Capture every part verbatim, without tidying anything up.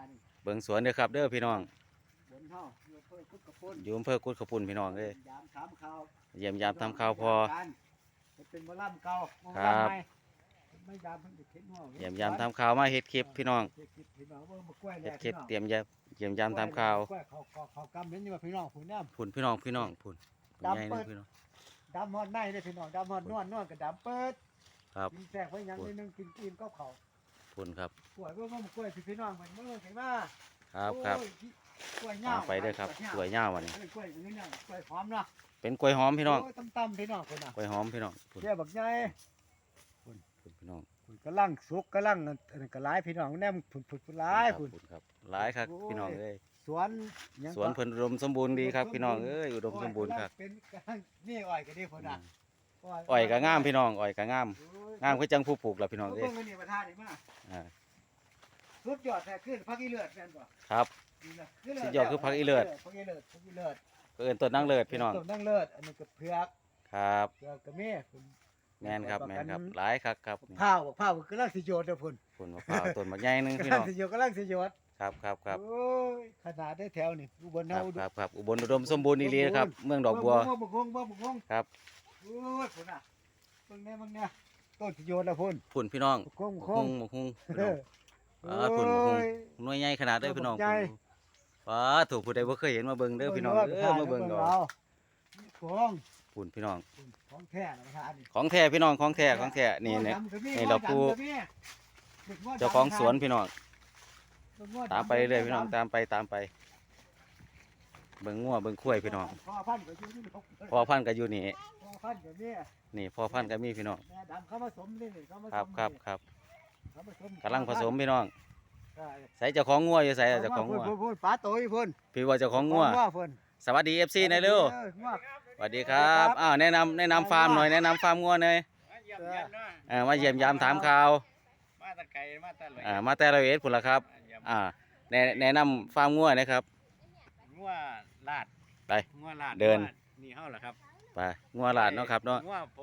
เบิ่งสวนเด้อครับเด้อพี่น้องบนเฮาอยู่อำเภอกุดกระปุนอยู่อำเภอกุดขปุ่นพี่น้องเอ้ยยามถามข่าวเยี่ยมยามทำข่าวพอเป็นมะล่ำเก่าครับไม่ยามเพิ่งจะเข็นหัวเยี่ยมยามทำข่าวมาเฮ็ดคลิปพี่น้องเฮ็ดคลิปพี่น้องเบิ่งมากล้วยเฮ็แล้ดคลิปพี่น้องเตรียมยามเยี่ยมยามทำข่าวกล้วยเขาเขาเขากำเห็นอยู่ว่าพี่น้องผู้นำพุ่นพี่น้องพี่น้องพุ่นใหญ่เลยพี่น้องดำฮอดในเด้อพี่น้องดำฮอดนวลนวลก็ดำเปิดครับกินแทรกไว้หยังนิดนึงกินกินก็เขาพุ่นครับกล้วยเบิ่งมากล้วยพี่น้องมันมือเห็นมาครับครับกล้วยตามเงาไปเด้อครับสวยยาววันนี้กล้วยอย่างนี้เนี่ยกล้วยหอมเนาะเป็นกล้วยหอมพี่น้องต่ำๆพี่น้องคนน่ะกล้วยหอมพี่น้องพุ่นแค่บักใหญ่พุ่นพี่น้องคุณกำลังสุกกำลังอันนั้นก็หลายพี่น้องแนมผุดผุดผุดหลายคุณพุ่นครับหลายครับพี่น้องเอ้ยสวนหยังสวนเพิ่นอุดมสมบูรณ์ดีครับพี่น้องเอ้ยอุดมสมบูรณ์ครับเป็นกำลังนี่อ้อยก็ดีพุ่นน่ะอ้อยก็งามพี่น้องอ้อยก็งามโอ้ยงามคือจังผู้ปลูกล่ะพี่น้องเบิ่เอ้ยงอันนี่ประธานนี่มาอ่าสุดยอดแท้ขึ้นพักอีเลือดแม่นบ่ครับนี่นะสุดยอดคือผักอีเลิศผักอีเลิศผักอีเลิศเอิ้นต้นนางเลิศพี่น้องต้นนางเลิศอันนี้ก็เผือกครับเผือกก็มีคุณแม่นครับแม่นครับหลายครับครับนี่ข้าวข้าวกำลังสิโยดเด้อพุ่นพุ่นมะพร้าวต้นบักใหญ่หนึงพี่กำลัน้งองสิโยดกำลังสิโยดครับครับครับโอ้ยขนาดได้แถวนี่อุบลคเฮารับดูครับครับอุบลอุดมสมบูรณ์ดีๆนะครับเมืองดอกบัวบ่บ่บ่บ่บ่บ่ครับโอ้ยพุ่นน่ะเบิ่งแน่เบิ่งแน่ต้นสิโยดแล้วพุ่นพุ่นพี่น้องคงคหุงงหุงพี่เอน้องออ่าพุ่นหุงโอ้ยหน่วยใหญ่ขนาดเด้อพี่น้องใหญ่ว้าถูกผู้ใดบ่เคยเห็นมาเบิ่งเด้อพี่น้องเด้อมาเบิ่งดอกของพุ่นพี่น้องของแท้นะประธานนี่ของแท้พี่น้องของแท้ของแท้นี่เนี่ย นี่เราผู้ เจ้าของสวนพี่น้องตามไปเรื่อยๆพี่น้องตามไปตามไป เบิ่งงัวเบิ่งข้วยพี่น้องพ่อพันธุ์ก็อยู่นี่พ่อพันธุ์ก็อยู่นี่พ่อพันธุ์ก็มีนี่พ่อพันธุ์ก็มีพี่น้องแม่ดำเขาผสมนี่นี่เขาผสมครับครับครับเขาผสมกำลังผสมพี่น้องใช่ใส่เจ้าของงัวอยู่ใส่เจ้าของงัวพุ่นพุ่นป้าโตยพุ่นพี่ว่าเจ้าของงัวพุ่นสวัสดี เอฟ ซี หน่อยเร็วอองัวสวัสดีครับอ้าวแนะนำแนะนำฟาร์มหน่อยแนะนำฟาร์มงัวหน่อยมาเยี่ยมเยียนเนาะเออมาเยี่ยมยามถามข่าวมาแตะไกลมาแตะเลยอ่ามาแต่ละเอ็ดพุ่นละครับมาเยี่ยมอ่าแนะแนะนำฟาร์มงัวนะครับงัวลาดไปงัวลาดเดินงัวนี่เฮาเหรอครับไปงัวหลาดเนาะครับเนาะงัวผม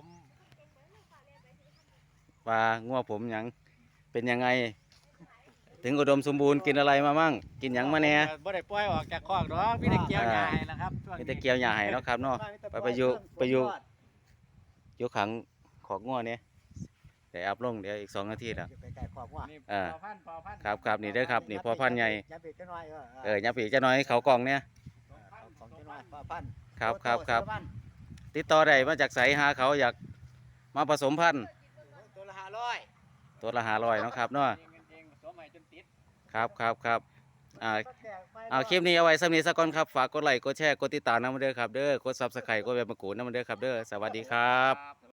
ปลางัวผมหยังเป็นยังไง ถึงอุดมสมบูรณ์กินอะไรมามั่งกินหยังมาแหน่บ่ได้ปล่อยออกจากคอกดอกมีแต่เกี่ยวหญ้าให้นะครับช่วงมีนี้แต่เกี่ยวหญ้าให้เนาะครับเนาะ ไปไปอยู่ไปอยู่ ยกขังของงัวเนี่ยเดี๋ยวอัพลงเดี๋ยวอีกสองนาทีแล้วไปไก่ขอบงัวนี่อ่าพอพันธุ์พอพันธุ์ครับครับนี่เด้อครับนี่พ่อพันธุ์ใหญ่ยับอีกจักหน่อยเออเออยับปีกจะน้อยเขากล่องเนี่ยของจักหน่อยพ่อพันธุ์ครับครับครับตัวละพันติดต่อได้มาจากไสหาเขาอยากมาผสมพันธุ์ตัวละห้าร้อยตัวละหาร้อยเนาะครับเนาะเงินเองผสมใหม่จนติดครับครับครับอ่าเอาคลิปนี้เอาไว้สำนีสักก่อนครับฝากกดไลค์กดแชร์กดติดตามน้ำมันเด้อครับเด้อกดซับสไครต์กดแบบมะกรูดน้ำมันเด้อครับเด้อสวัสดีครับ